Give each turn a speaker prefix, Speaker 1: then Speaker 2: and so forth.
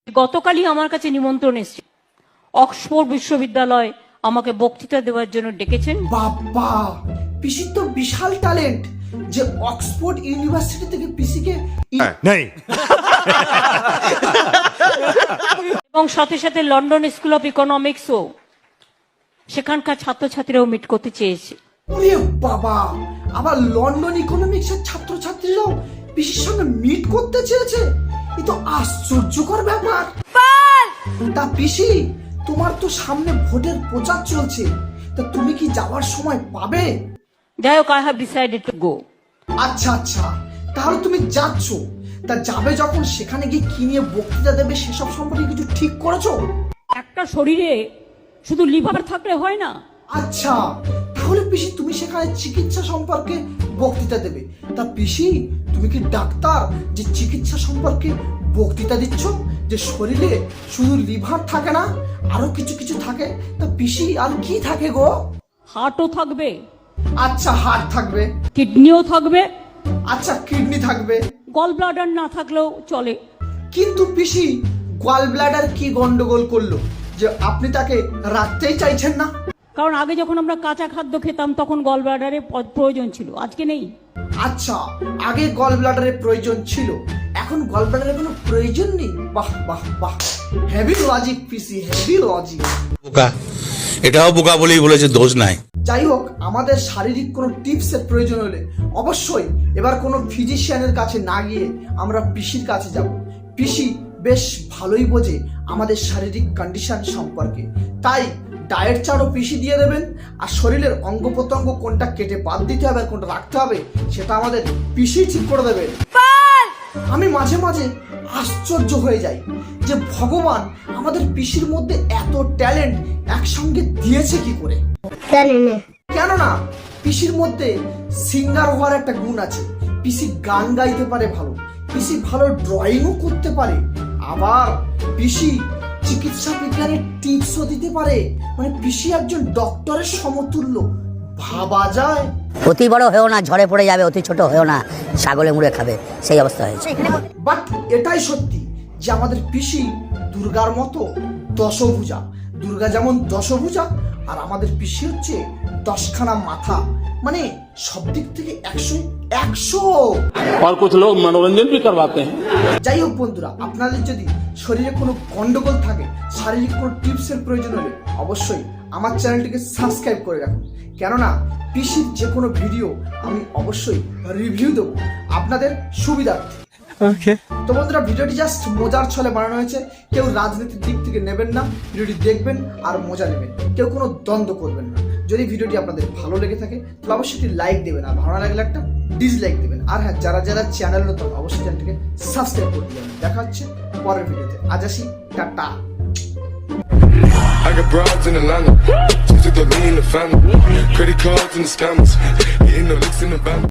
Speaker 1: গতকালই আমার কাছে নিমন্ত্রণ এসেছে, অক্সফোর্ড বিশ্ববিদ্যালয় আমাকে বক্তৃতা দেওয়ার জন্য ডেকেছেন।
Speaker 2: বাবা, পিসির তো বিশাল ট্যালেন্ট যে অক্সফোর্ড ইউনিভার্সিটি থেকে পিসিকে
Speaker 3: नहीं
Speaker 1: এবং সাথে সাথে লন্ডন স্কুল অফ ইকোনমিক্সও সেখানকার ছাত্রছাত্রীরাও মিট করতে চেয়েছে।
Speaker 2: ওরে বাবা, আবার লন্ডন ইকোনমিক্সের ছাত্রছাত্রীরাও পিসির সঙ্গে মিট করতে চেয়েছে। এ তো আশ্চর্যকর ব্যাপার। তা পিসি, তোমার তো সামনে ভোটের প্রচার চলছে, তা তুমি কি যাওয়ার সময় পাবে?
Speaker 1: যাই হোক, I have decided to go.
Speaker 2: আচ্ছা আচ্ছা, তাহলে তুমি যাচ্ছ, তা যাবে যখন সেখানে গিয়ে কি নিয়ে বক্তৃতা দেবে সেসব সম্পর্কে কিছু ঠিক করেছো?
Speaker 1: একটা শরীরে শুধু লিভার থাকলে হয় না।
Speaker 2: আচ্ছা, তাহলে পিসি তুমি সেখানে চিকিৎসা সম্পর্কে বক্তৃতা দেবে। তা পিসি, তুমি কি ডাক্তার যে চিকিৎসা সম্পর্কে বক্তৃতা দিচ্ছ? যে শরীরে শুধু লিভার থাকে না, আরো কিছু কিছু থাকে। তা পিসি, আর কি থাকে গো?
Speaker 1: হার্টও থাকবে,
Speaker 2: আচ্ছা, হার্ট থাকবে।
Speaker 1: কিডনিও থাকবে,
Speaker 2: আচ্ছা, কিডনি থাকবে।
Speaker 1: গল ব্লাডার না থাকলেও চলে।
Speaker 2: কিন্তু পিসি, গল ব্লাডার কি গন্ডগোল করলো যে আপনি তাকে রাখতেই চাইছেন না?
Speaker 1: কারণ আগে যখন আমরা কাঁচা খাদ্য খেতাম তখন গল ব্লাডারের প্রয়োজন ছিল, আজকে নেই।
Speaker 2: আচ্ছা, আগে গল ব্লাডারের প্রয়োজন ছিল, এখন গল ব্লাডারের কোনো প্রয়োজন নেই। বাহ বাহ বাহ, হেভি লজিক পিসি, হেভি লজিক।
Speaker 4: বোকা, এটাও বোকা বলেই বলেছে, দোষ নাই।
Speaker 2: যাই হোক, আমাদের শারীরিক কোনো টিপসের প্রয়োজন হলে অবশ্যই এবার কোনো ফিজিশিয়ানের কাছে না গিয়ে আমরা পিসির কাছে যাব। পিসি বেশ ভালোই বোঝে আমাদের শারীরিক কন্ডিশন সম্পর্কে, তাই ডায়েট চার্টও পিসি দিয়ে দেবেন। আর শরীরের অঙ্গ প্রত্যঙ্গ কোনটা কেটে বাদ দিতে হবে আর কোনটা রাখতে হবে সেটা আমাদের পিসি ঠিক করে দেবে। আমি মাঝে মাঝে আশ্চর্য হয়ে যাই যে ভগবান আমাদের পিসির মধ্যে এত ট্যালেন্ট একসঙ্গে দিয়েছে কি করে। কেননা পিসির মধ্যে সিঙ্গার হওয়ার একটা গুণ আছে, পিসি গান গাইতে পারে ভালো, পিসি ভালো ড্রয়িংও করতে পারে, আবার পিসি চিকিৎসা বিজ্ঞানের টিপসও দিতে পারে। মানে পিসি একজন ডক্টরের সমতুল্য, ভাবা যায়।
Speaker 5: অতি বড় হয়েও না, ঝড়ে পড়ে যাবে, অতি ছোট হয়েও না, ছাগলে মুড়ে খাবে, সেই অবস্থা হয়েছে।
Speaker 2: বাট এটাই সত্যি যে আমাদের পিসি দুর্গার মতো দশভুজা। দুর্গা যেমন দশভুজা, আর আমাদের পিসি হচ্ছে 10খানা মাথা, মানে সব দিক থেকে 100।
Speaker 6: और कुछ लोग मनोरंजन भी करवाते हैं।
Speaker 2: যাই হোক বন্ধুরা, আপনাদের যদি শরীরে কোনো গন্ডগোল থাকে, শারীরিক কোনো টিপসের প্রয়োজন হলে অবশ্যই আমার চ্যানেলটিকে সাবস্ক্রাইব করে রাখুন, কেননা পিসির যে কোনো ভিডিও আমি অবশ্যই রিভিউ দেবো আপনাদের সুবিধার্থে। তো বন্ধুরা, ভিডিওটি জাস্ট মজার ছলে বানানো হয়েছে, কেউ রাজনীতির দিক থেকে নেবেন না, ভিডিওটি দেখবেন আর মজা নেবেন, কেউ কোনো দ্বন্দ্ব করবেন না। যদি ভিডিওটি আপনাদের ভালো লেগে থাকে তাহলে অবশ্যই একটি লাইক দেবেন, আর ভালো লাগলে একটা ডিসলাইক দেবেন। আর হ্যাঁ, যারা যারা চ্যানেল নতুন অবশ্যই চ্যানেলটিকে সাবস্ক্রাইব করে দেবেন। দেখা হচ্ছে পরের ভিডিওতে, আজ আসি, টাটা।
Speaker 7: I got broads in Atlanta, just took the lean in the family, credit cards and the scammers, hitting the licks in the van.